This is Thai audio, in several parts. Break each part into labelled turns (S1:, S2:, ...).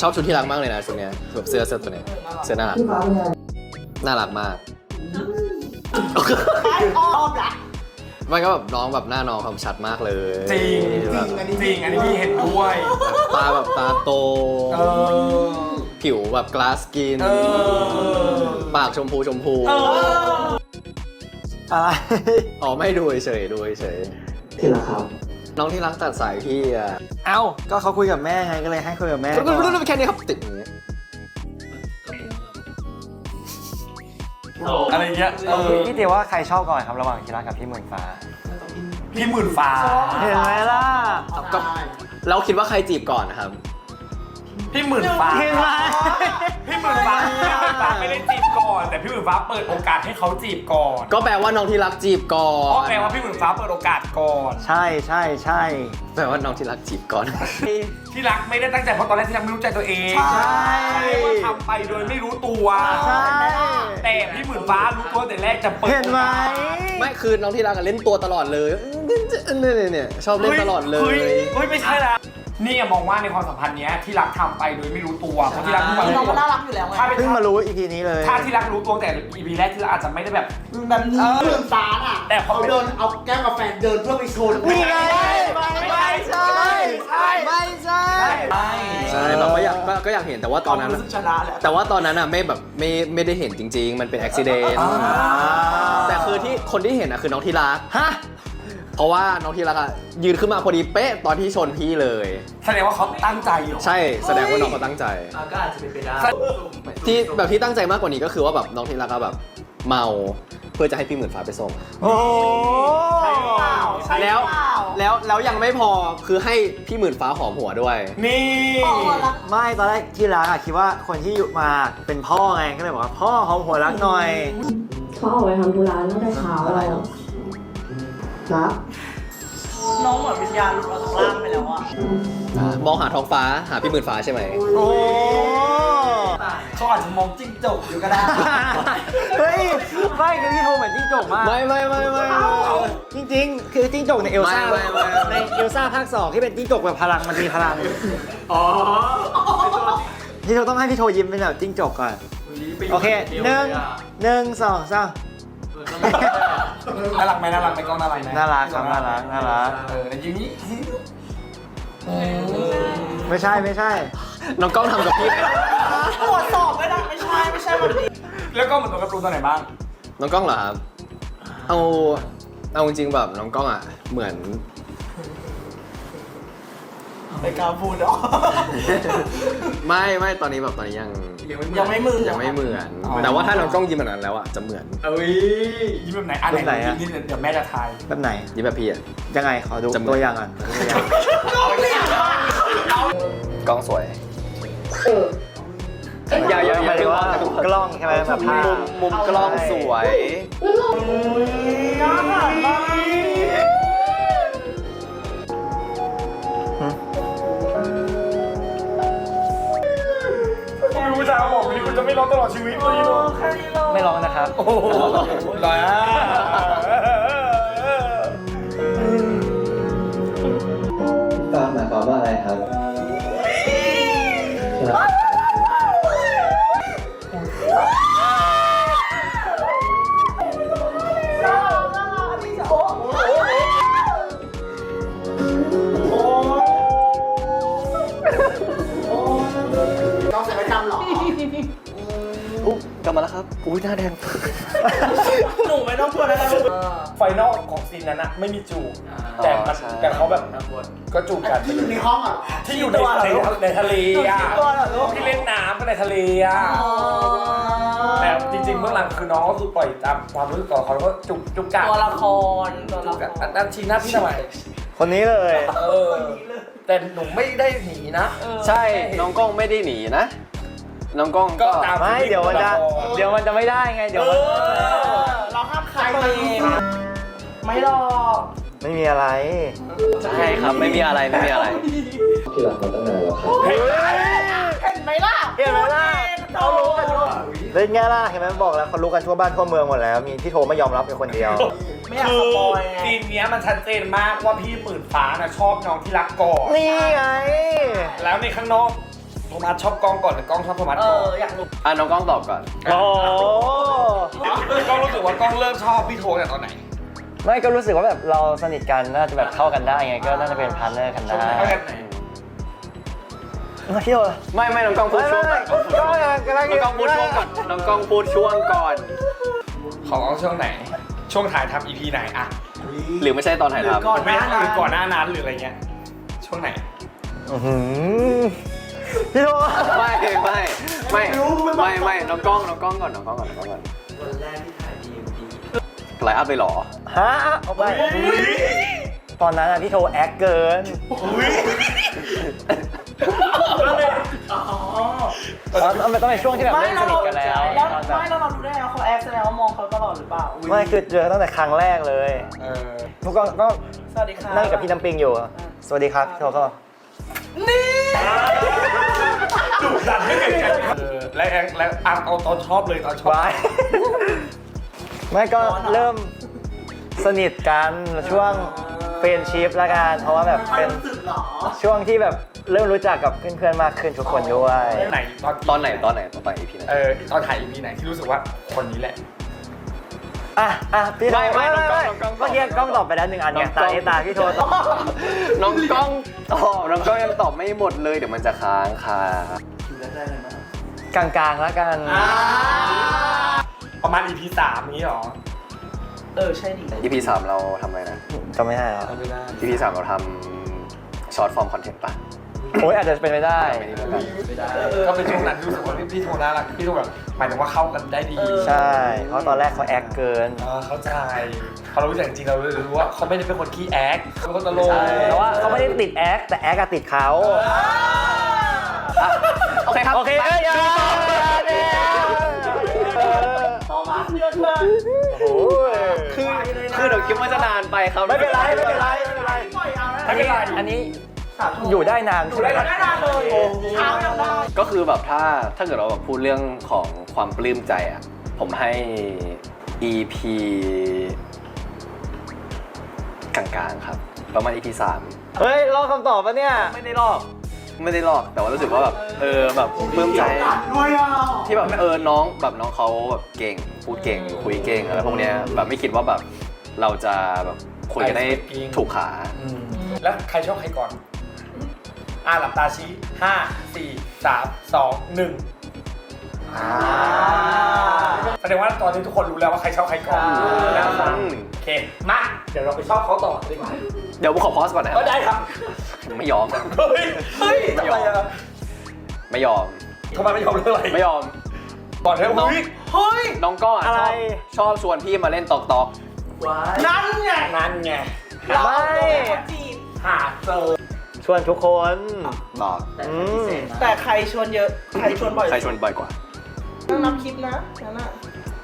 S1: ชอบชุดที่รักมากเลยนะชุดเนี้ยแบบเสื้อตัวเนี้ยเสื้อน่ารักน่ารักมากมันก็แบบน้องแบบหน้าน้องความชัดมากเลย
S2: จริงอันนี้พี่เห็นด้วย
S1: ตาแบบตาโตผิวแบบกลาสกินปากชมพู
S3: อะไร
S1: อ๋อไม่ดูเฉย
S3: ที่รักครับ
S1: น้องที่รักตัดสายพี่อ่ะ
S3: เอ้าก็เขาคุยกับแม่ไงก็เลยให้คุยกับแม่
S1: แค่นี้ครับติดอย่างเงี้ย
S2: อะไรเงี้ย
S3: พี่เตียว่าใครชอบก่อนครับระหว่างที่รักกับพี่หมื่นฟ้า
S2: พี่หมื่นฟ้า
S3: เห็นไหมล่ะ
S1: ก็เราคิดว่าใครจีบก่อนนะครับ
S2: พี่หมื่นฟ้า
S3: เห็นไหม
S2: พี่หมื่นฟ้าไม่ได้จีบก่อนแต่พี่หมื่นฟ้าเปิดโอกาสให้เขาจีบก่อน
S1: ก็แปลว่าน้องที่รักจีบก่อน
S2: ก็แปลว่าพี่หมื่นฟ้าเปิดโอกาสก่อน
S3: ใช่
S1: แปลว่าน้องที่รักจีบก่อน
S2: ที่รักไม่ได้ตั้งใจเพราะตอนแรกที่รักไม่รู้ใจตัวเอง
S3: ใช่
S2: ว่าทำไปโดยไม่รู้ตัว
S3: ใช่
S2: แต่พี่หมื่นฟ้ารู้ตัวแต่แรกจะเปิด
S3: เห็นไหม
S1: ไม่คือน้องที่รักเล่นตัวตลอดเลยเนี่ยชอบเล่นตลอดเลย
S2: เฮ้ยไม่ใช่ละนี่มองว่าในความสัมพันธ์นี้ที่รักทำไปโดยไม่รู้ตัวเพราะที่รัก
S4: น้องก็น่ารักอยู่แล้วไง
S3: เพิ่งมารู้อีพีนี้เลย
S2: ถ้าที่รักรู้ตัวแต่ EP แรกที่รักอาจจะไม่ได้แบบ
S4: นี้เรื่องสารอ่ะ
S2: แต่เขา
S4: เดินเอาแก้วกาแฟเดินเพื่อไปชน
S3: ไม่ใช่
S1: ใช่แบบก็อยากเห็นแต่ว่าตอนนั้น
S4: ชนะแหละ
S1: แต่ว่าตอนนั้นอ่ะไม่แบบไม่ได้เห็นจริงๆมันเป็นอุบิเหตุแต่คือที่คนที่เห็นอ่ะคือน้องที่รัก
S3: ฮะ
S1: เพราะว่าน้องที่รักอ่ะยืนขึ้นมาพอดีเป๊ะตอนที่ชนพี่เลย
S2: แสดงว่าเขาตั้งใจอยู่
S1: ใช่แสดงว่าน้องเขาตั้งใจ
S4: ก็อาจจะเป็นไปได้
S1: ที่แบบที่ตั้งใจมากกว่านี้ก็คือว่าแบบน้องที่รักก็แบบเมาเพื่อจะให้พี่หมื่นฟ้าไปส่ง
S3: โอ้
S1: แล้วยังไม่พอคือให้พี่หมื่นฟ้าหอมหัวด้วย
S2: นี่
S3: ไม่ตอนแรกที่รักอะคิดว่าคนที่อยู่มาเป็นพ่อไงก็เลยบอกว่าพ่อหอมหัวรักหน่อย
S5: เขาออกไปทำธุระตั้งแต่เช้าอะไรหรอ
S4: ครับน้องเหมือนวิญญาณหลุดออกจากร่างไปแล้วอะ
S1: มองหาท้องฟ้าหาพี่หมื่นฟ้าใช่ไหม
S3: โอ้
S4: เขาอาจจะมองจิ้งจกอยู่ก็ได้
S3: เฮ้ยไม่คือพี่โทเหมือนจิ้งจกมาก
S1: ไม่
S3: จริงๆคือจิ้งจกในเอลซ่าในเอลซ่าภาค 2ที่เป็นจิ้งจกแบบพลังมันมีพลัง
S2: อ๋อ
S3: พี่โทต้องให้พี่โทยิ้มเป็นแบบจิ้งจกก่อนโอเค1 2 3
S2: น่ารักไหมกล้องน่ารักไหม
S3: น่ารักครับน่ารัก
S2: ในยิ้มนี้
S3: ไม่ใช่
S1: น้องกล้องทำกับพี่
S4: ตรวจสอบไม่ได้ไม่ใช่แบบนี้
S2: แล้วก็เหมือนตัวการ์ตูนตัวไหนบ้าง
S1: น้องกล้องเหรอครับเอาจริงๆแบบน้องกล้องอ่ะเหมือน
S4: ไม่กล้าพูดหรอ
S1: ไม่ตอนนี้ยังไม่เหมือนแต่ว่าถ้าน้องกล้องยิ้มแบบนั้นแล้วอ่ะจะเหมือน
S2: ยิ้มแบบไหนไหนยิ้มเดี๋ยวแม่จะทาย
S3: แบบไหน
S1: ยิ้มแบบพี่อ่ะ
S3: ยังไงขอดูตัวอย่างอ่ะ
S1: กล้องสวย
S3: อย่าว่ากล้องใช่ไหมแบบ
S1: มุมกล้องสวย
S2: ผู้ชายบอกว่าคุณจะไม่ร้องตลอดชีวิตเลย
S3: ไม่ร้องนะครับ
S2: โอ้โหร้อย
S1: หมายความว่าอะไรครับ
S4: น้องเสร็จไปทำหร
S1: อกลับมาแล้วครับอุ้ยหน้าแดง
S4: หนูไม่ต้องพูดแล้วนะ
S2: ไฟนอลของซีนนั้นนะไม่มีจูบแต่เขาแบบก็จูบกัน
S4: ที่อยู่ในห้องอ่ะ
S2: ที่อยู่ในทะเลอ่ะที่เล่นน้ำก็ในทะเลอ่ะแต่จริงๆเมื่อหลังคือน้องก็คือปล่อยตามความรู้สึกต่อเขาแล้วก็จุกกัน
S4: ตัวละคร
S2: อันชี้หน้าพี่ทำไม
S3: คนนี้เลย
S2: แต่หนูไม่ได้หนีนะ
S1: ใช่น้องกล้องไม่ได้หนีนะน้องกล้องก็
S3: ไม่เดี๋ยวมันจะไม่ได้ไงเดี๋ยว
S4: เราห้ามใครไม่หรอก
S3: ไม่มีอะไร
S1: ใช่ครับไม่มีอะไรที่รักมาตั้งนานแล้วครับ
S4: เห็นไหมล่ะ
S3: เขารู้กันทั่วเล่นไงล่ะเห็นไหมบอกแล้วเขารู้กันทั่วบ้านทั่วเมืองหมดแล้วมีพี่โทไม่ยอมรับเป็นคนเดียว
S4: ไม่อยากสปอยไง
S2: ซีนนี้มันชัดเจนมากว่าพี่หมื่นฟ้าน่ะชอบน้องที่รักก่อน
S3: นี่ไง
S2: แล้วในข้างนอกโทมัสชอบกล้องก่อนหรือกล้องชอบโทมัสก่อน
S4: อยากรู้
S1: น้องกล้องตอบก่อน
S3: โอ้
S2: กล้องรู้สึกว่ากล้องเริ่มชอบพี่โทตั้งแต่ตอนไหน
S3: ไม่ก็รู้สึกว่าแบบเราสนิทกันน่าจะแบบเข้ากันได้ไงก็น่าจะเป็นพาร์ทเนอร์กันได้
S2: เข้ากันไหน
S3: พี่โอ
S1: ไม่น้องกล้องพูดช่วงก่อน
S3: ก็กำลัง
S1: น้องกล้องพูดช่วงก่อนน้องกล้องพูดช่วงก่อน
S2: ของกล้องช่วงไหน ช่วงถ่ายทำ EP ไหนอะ
S1: หรือไม่ใช่ตอนถ่ายทำ
S2: ไม่หรือก่อนหน้านั้นหรืออะไรเงี้ยช่วงไหน
S3: พี่โอ
S1: ไม่น้องกล้องก่อน
S4: วันแรกที่ถ่าย DMD
S1: ไลฟ์อัพเลยเหรอ
S3: ฮะเอาไปตอนนั้นอะพี่โทแอคเกิน มันต้องเป็นช่วงที่แบบเริ่มสนิทกันแล้ว
S4: ไม่แล้วเราดูได้ไงว่าเขาแอคแสดงว่ามองเขาตลอดหรือเปล่า
S3: ไม่คือเจอตั้งแต่ครั้งแรกเลย พวกก็
S4: สวัสดีค่ะ
S3: นั่งกับพี่น้ำปิงอยู่ สวัสดีครับพี่โทก็
S2: ดุดันไม่เกิดกันและเอาตอนชอบเลยตอนชอบ
S3: ไว้ไม่ก็เริ่มสนิทกันช่วงเฟรนชิพละกันเพราะว่าแบบเป็น
S4: รู้สึกหรอ
S3: ช่วงที่แบบเริ่มรู้จักกับเพื่อนๆมากขึ้นทุกคนด้วย
S2: ไหน
S1: ตอนไหนตอน EP ไหน
S2: ตอนถ่าย EP ไหนที่รู้สึกว่าคนนี้แหละ
S3: พี่โท
S1: ไม่น้องกล้อง
S3: เมื่อกี้กล้องตอบไปแล้ว1 อันไงตานี้ตาพี่โทตอบ
S1: น้องกล้องยังตอบไม่หมดเลยเดี๋ยวมันจะค้างค่ะ
S4: คิวแรกได้เลยมั้ย
S3: กลางๆแล้วกัน
S2: ประมาณ EP 3นี้หรอ
S4: ใช่ดิ
S1: EP 3เราทำอะไรนะ
S3: จำไม่ได้แล้ว
S2: ไม่ได้
S1: EP 3เราทำช็อตฟอร์มคอนเทนต์ป่ะ
S3: โอ้ยอาจจะเป็นไปได้
S4: ไม่ได้
S2: ก็เป็นช่วงนั้นที่รู้สึกว่าพี่โทน่ารักพี่โทแบบหมายถึงว่าเข้ากันได้ดี
S3: ใช่ เพราะตอนแรกเขาแอคเกิน
S2: เข้าใจพอเรารู้จักจริงเรารู้ว่าเขาไม่ได้เป็นคนขี้แอคเขาเป็นคนตลก
S3: แต่ว่าเขาไม่ได้ติดแอคแต่แอคอะติดเขา
S1: โอเคครับ
S3: โอเคอย่า
S4: โทมัสเยอะเกิน
S1: คือเดี๋ยวคลิปมันจะนานไปครับ
S3: ไม่เป็นไร
S4: ปล่อยเอาแล้ว
S2: ไม่เป็นไร
S3: อันนี้อยู่ได้นาน
S4: อยู่ได้นานเลยเช้ายังได้
S1: ก็คือแบบถ้าเกิดเราแบบพูดเรื่องของความปลื้มใจอ่ะผมให้ EP กลางๆครับประมาณ EP 3
S3: เฮ้ยลอกคำตอบปะเนี่ย
S1: ไม่ได้ลอกแต่ว่ารู้สึกว่าแบบแบบปลื้มใจ
S4: ด้วยอ่ะ
S1: ที่แบบน้องเขาแบบเก่งพูดเก่งคุยเก่งอะไรพวกเนี้ยแบบไม่คิดว่าแบบเราจะแบบคุยกันได้ถูกขา
S2: แล้วใครชอบใครก่อนหลับตาชี้5 4 3 2 1แสดงว่าตอนนี้ทุกคนรู้แล้วว่าใครชอบใครก่อนแล้วโอเคมาเดี๋ยวเราไปชอบเขาต่อดีกว่า
S1: เดี๋ยวผมขอพอสก่อนนะ
S2: ก็ได้ครับ
S1: ไม่ยอม
S2: เฮ้ยทำไมอะ
S1: ไม่ยอม
S2: ทำไมไม่ยอมเรื่องอะไร
S1: ไม่ยอม
S2: ก่อนเรื่องเฮ้ย
S1: น้องก็
S3: อะไร
S1: ชอบชวนพี่มาเล่นตอก
S4: นั่นไง
S2: นั่นไง
S4: เราเอาตัวคนจีบ
S2: หาเจอ
S3: ชวนทุกคน
S1: บอก
S4: แต่ใครชวนเยอะใครชวนบ่อย
S1: ใครชวนบ่อยกว่า
S4: ต้องนับคลิปนะนั่นน่ะ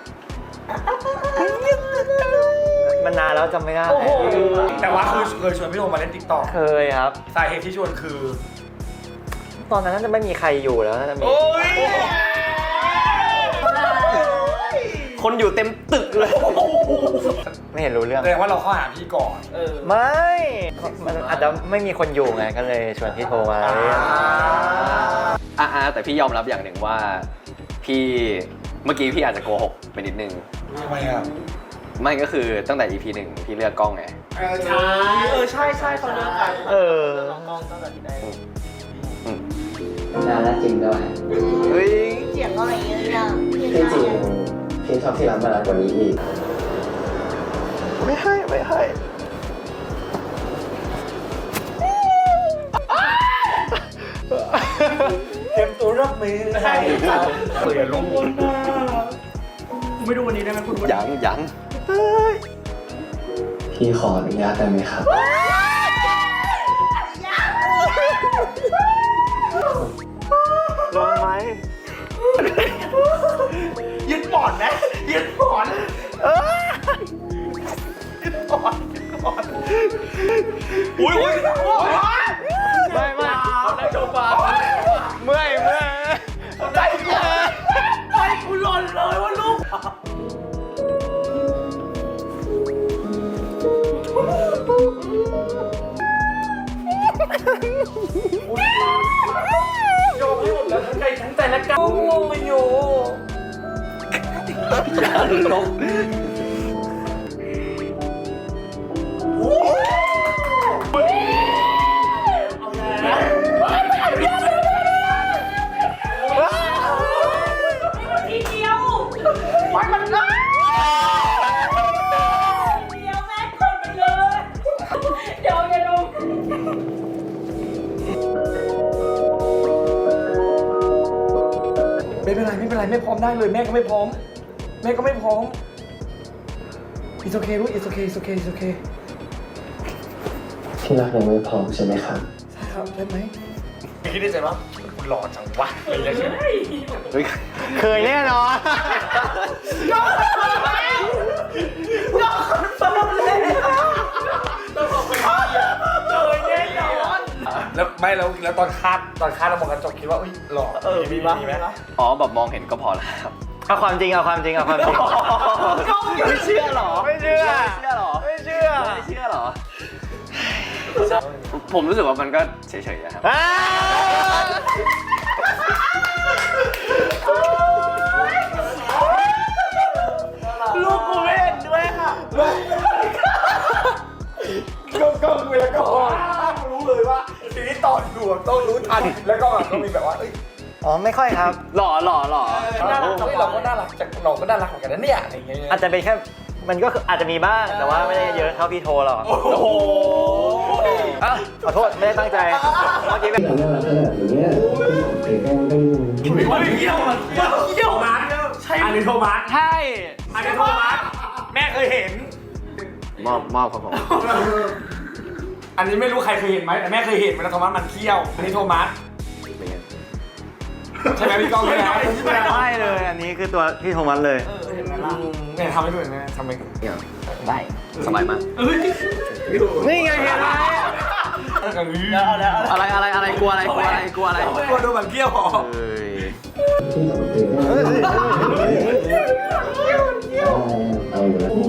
S3: มันนานแล้วจำไม่ได้
S4: โอ้โห
S2: แต่ว่าคือเคยชวนพี่โทมาเล่นติ๊กต็อก
S3: เคยครับ
S2: สาเหตุที่ชวนคือ
S3: ตอนนั้นน่าจะไม่มีใครอยู่แล้วน่าจะมี
S2: โอ้ย
S1: คนอยู่เต็มตึกเลย
S3: ไม่เห็นรู้เรื่อง
S2: แสดงว่าเราเข้าหาพี่ก่อน
S3: ไม่มันอาจจะไม่มีคนอยู่ไงก็เลยชวนพี่โทรมา
S1: แต่พี่ยอมรับอย่างหนึ่งว่าพี่เมื่อกี้พี่อาจจะโกหกไปนิดนึง
S2: ทำไมอ่ะ
S1: ไม่ก็คือตั้งแต่ EP 1พี่เลือกกล้องไง
S4: ใช่เขาเลิกกันน้องตั้งแต่ที่ไหน
S6: น่ารักจริงด้วย
S1: เฮ้ย
S4: เสียงอะไรเงี้ย
S6: ที่จริงพี่ชอบที่ร้านมานานกว่านี้อีก
S1: ไม่ให้
S2: เตรียมตัวรับมือให้เปลี่ยนลง
S4: ไม่ดูวันนี้ได้ไหมคุณ
S1: ยัง
S6: พี่ขออนุญาตได้ไหมครับ
S3: ลองไหม
S4: ยึดหมอนนะยึดหมอนยึดหมอน
S2: อุ้ย
S3: ไม่
S1: เขาได้โชว์ฟ้า
S3: เมื่อย
S4: ใจเย็นใจกูหล่นเลยว่าลูก
S2: ยอมให้หมดแล้วทั้งใจและกายงงไม่อยู่
S1: ลบ
S4: ทีเดียวมันง่ายเดียวแม่กดไปเลยเดี๋ยวอย่าดู
S2: ไม่เป็นไรไม่พร้อมได้เลยแม่ก็ไม่พร้อมIt's okay ลูก It's okay
S6: ที่รักยังไม่พร้อมใช่ไหมครับ
S2: ใช่ครับได้ไหมคิดในใจว่าคุณหล่อจังวะอะไรอย่างเงี้ย
S1: เฮ้ย
S3: เคยแน่นอน
S2: แล้วไม่แล้วตอนคาดเรามองกระจกคิดว่าอุ้ยหล่อมีไหม
S1: อ๋อแบบมองเห็นก็พอแล้วครับ
S3: เอาความจริง
S1: ไม่เชื่อหรอ
S3: ไม่เชื่อ
S1: ไม่เชื่อหรอ
S3: ไม่เชื่อ
S1: ไม่เชื่อหรอ ผมรู้สึกว่ามันก็เฉยๆอะครับ
S3: อ้า
S4: ลูกกูไม่เห็นด้วยค่ะ
S2: ก็คุยแล้วก็รู้เลยว่าทีนี้ตอนดูต้องรู้ทันแล้วก็มีแบบว่าเอ้ย
S3: อ๋อไม่ค่อยครับ
S1: หล่อ
S2: เราก็น่ารักจากน้องก็น่ารักเหมือนกันนะเนี่ยอะไรอย่างเงี้ย
S3: อาจจะเป็นแค่มันก็คืออาจจะมีบ้างแต่ว่าไม่ได้เยอะเท่าพี่โทหรอก
S1: โอ้โห
S3: อ่ะขอโทษไม่ได้ตั้งใจเมื่อกี้เป็น
S6: น่ารักขนาดนี้เนี่ยเป็นต้อง
S2: เที่ยวมาร์ทใช่อันนี้โทมัส
S3: ใช่
S2: อันนี้โทมัสแม่เคยเห็น
S1: มอบครับผม
S2: อันนี้ไม่รู้ใครเคยเห็นไหมแต่แม่เคยเห็นเวลาโทมัสมันเที่ยวอันนี้โทมัส
S1: เป็นไง
S2: ใช่ไหมพี่ก้องใช่ไหม
S3: ใช่เลยอันนี้คือตัวพี่โทมัสเลย
S2: เนี่ยทำให้ดูเห็นไหมทำไม
S1: เนี่ยได้สบายมาก
S3: นี่ไงเห็นไหม
S1: อะไรกลัวอะไร
S2: กลัวโดนแบบเที่ยวหรอ
S1: เฮ้ย
S6: ที่สองตื่นเอาอยู่แล้ว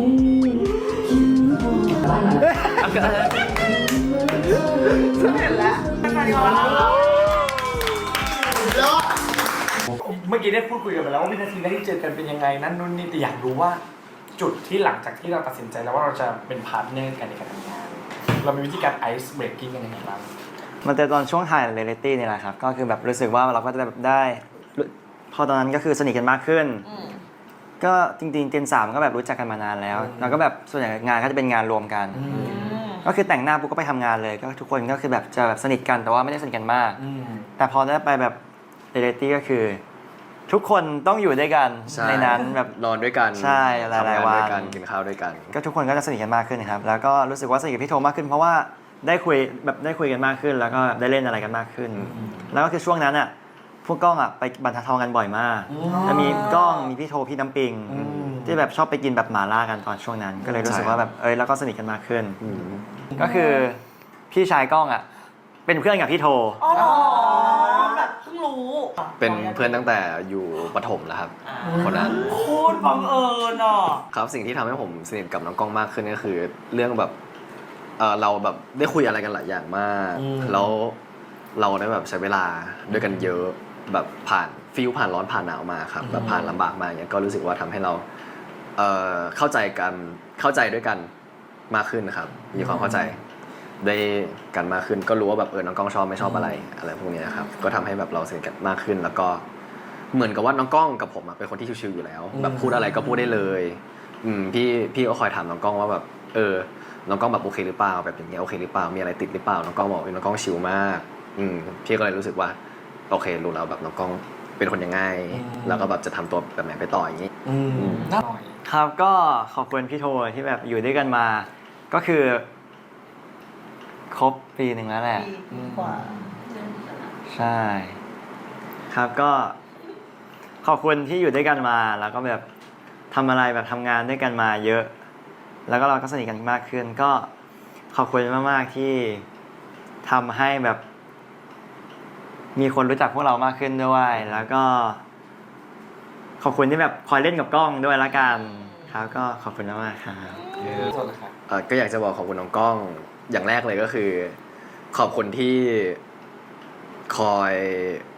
S2: เมื่อกี้ได้พูดคุยกันไปแล้วว่าวินาทีแรกที่เจอกันเป็นยังไงนั่นนู่นนี่แต่อยากรู้ว่าจุดที่หลังจากที่เราตัดสินใจแล้วว่าเราจะเป็นพาร์ทเนอร์กันในการทำงานเรามีวิธีการไอซ์เบรกกิ้งกันยังไงบ้าง
S3: มันแต่ตอนช่วงถ่ายเรียลลิตี้นี่แหละครับก็คือแบบรู้สึกว่าเราก็จะแบบได้พอตอนนั้นก็คือสนิทกันมากขึ้น ก็จริงๆเจน3ก็แบบรู้จักกันมานานแล้วแล้วก็แบบส่วนใหญ่งานก็จะเป็นงานรวมกัน ก็คือแต่งหน้าปุ๊บก็ไปทำงานเลยก็ทุกคนก็คือแบบจะแบบสนิทกันแต่ว่าไม่ได้สนิทกันมาก แต่พอได้ไปแบบเรียลลิตี้ก็คือ ทุกคนต้องอยู่ด้วยกัน
S1: ใช่
S3: ในนั้นแบบ
S1: นอนด้วยกัน
S3: ใช่หลายๆวัน
S1: ทำงด้วยกันกินข้าวด้วยกัน
S3: ก็ทุกคนก็จะสนิทกันมากขึ้นนะครับแล้วก็รู้สึกว่าสนิทกับพี่โทมากขึ้นเพราะว่าได้คุยกันมากขึ้น แล้วก็ได้เล่นอะไรกันมากขึ้น แล้วก็คือช่วงนั้นอ่ะพวกกล้องอ่ะไปบรรทัดทองกันบ่อยมากจะมีกล้องมีพี่โทพี่น้ำปิงที่แบบชอบไปกินแบบหม่าล่ากันตอนช่วงนั้น ก็เลยรู้สึกว่าแบบแล้วก็สนิทกันมากขึ้น ก็คือพี่ชายกล้องอ่ะเป็นเพื่อนกับพี่โท
S4: อ๋อแบบเพิ่งรู้
S1: เป็นเพื่อนตั้งแต่อยู่ประถมแล้วครับ คนนั้น
S4: โคตรบังเอิญอ่ะ
S1: ครับสิ่งที่ทำให้ผมสนิทกับน้องกล้องมากขึ้นก็คือเรื่องแบบเราแบบได้คุยอะไรกันหลายอย่างมากแล้วเราได้แบบใช้เวลาด้วยกันเยอะแบบผ่านผ่านร้อนผ่านหนาวมาครับแบบผ่านลำบากมาอย่างเงี้ยก็รู้สึกว่าทำให้เราเข้าใจด้วยกันมากขึ้นนะครับมีความเข้าใจด้วยกันมากขึ้นก็รู้ว่าแบบน้องกล้องชอบไม่ชอบอะไรพวกนี้นะครับก็ทำให้แบบเราสนิทกันมากขึ้นแล้วก็เหมือนกับว่าน้องกล้องกับผมเป็นคนที่ชิวๆอยู่แล้วแบบพูดอะไรก็พูดได้เลยพี่ก็คอยถามน้องกล้องว่าแบบน้องกล้องแบบโอเคหรือเปล่าแบบอย่างเงี้ยโอเคหรือเปล่ามีอะไรติดหรือเปล่าน้องกล้องบอกน้องกล้องชิลมากพี่ก็เลยรู้สึกว่าโอเครู้แล้วแบบน้องกล้องเป็นคนยังไงแล้วก็แบบจะทำตัวแบบไหนไปต่ออย่างนี้
S2: น่าหน่อย
S3: ครับก็ขอบคุณพี่โทที่แบบอยู่ด้วยกันมาก็คือครบปีหนึ่งแล้วแหละ
S4: ปีกว่า
S3: ใช่ครับก็ขอบคุณที่อยู่ด้วยกันมาแล้วก็แบบทำอะไรแบบทำงานด้วยกันมาเยอะแล้วก็เราก็สนิทกันมากขึ้นก็ขอบคุณมากๆที่ทำให้แบบมีคนรู้จักพวกเรามากขึ้นด้วยแล้วก็ขอบคุณที่แบบคอยเล่นกับกล้องด้วยละกันครับก็ขอบคุณมากๆครับ
S1: ก็อยากจะบอกขอบคุณน้องกล้องอย่างแรกเลยก็คือขอบคุณที่คอย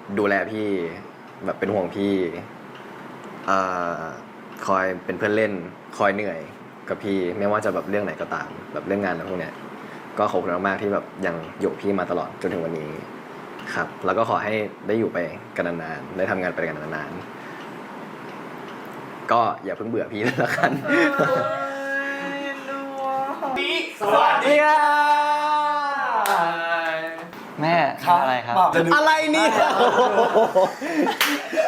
S1: ดูแลพี่แบบเป็นห่วงพี่คอยเป็นเพื่อนเล่นคอยเหนื่อยกับพี่ไม่ว่าจะแบบเรื่องไหนก็ตามแบบเรื่องงานอะไรพวกเนี้ยก็ขอบคุณมากๆที่แบบยังอยู่พี่มาตลอดจนถึงวันนี้ครับแล้วก็ขอให้ได้อยู่ไปกันนานๆได้ทำงานไปกันนานๆก็อย่าเพิ่งเบื่อพี่แล้วกัน
S2: สวัสดีค่ะ
S3: แม่
S2: ครับ
S3: อะไรครับ
S2: อะไรเนี่ย